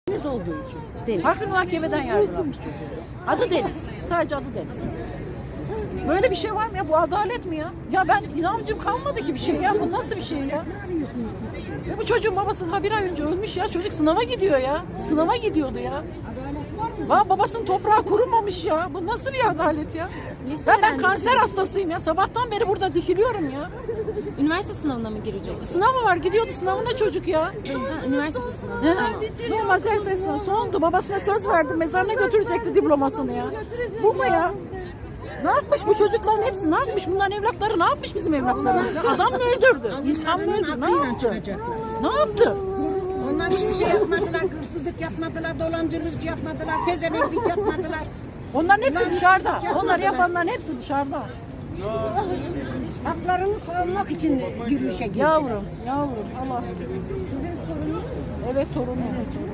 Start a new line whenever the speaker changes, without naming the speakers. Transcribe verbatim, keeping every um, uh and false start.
Deniz olduğu için.
Deniz.
Farklı mahkemeden yargılanmış çocuğu. Adı Deniz. Sadece adı Deniz. Böyle bir şey var mı ya? Bu adalet mi ya? Ya ben inancım kalmadı ki bir şey ya. Bu nasıl bir şey ya? Ya bu çocuğun babası daha bir ay önce ölmüş ya. Çocuk sınava gidiyor ya. Sınava gidiyordu ya. Va babasının toprağı kurumamış ya. Bu nasıl bir adalet ya?
Lise
Ya ben
öğrencisi.
kanser hastasıyım ya. Sabahtan beri burada dikiliyorum ya.
Üniversite sınavına mı girecek?
Sınavı var. Gidiyordu sınavına çocuk ya.
Ha, üniversite sınavı.
Ne?
Tamam.
Normal ders sınavı sondu. Babasına söz verdi. Mezarına götürecekti diplomasını ya. Bu mu ya? Ne yapmış bu çocukların hepsi? Ne yapmış? Bunların evlatları ne yapmış bizim evlatlarımız? ya? Adam mı öldürdü? İnsan mı öldürdü? Ne yaptı? Ne yaptı?
Onlar hiçbir şey yapmadılar, hırsızlık yapmadılar, dolancılık yapmadılar, tezemeklik yapmadılar.
Onların hepsi dışarıda. Onları yapanların hepsi dışarıda.
Haklarını savunmak için yürüyüşe girdiler.
Yavrum, yavrum Allah. Evet torunum.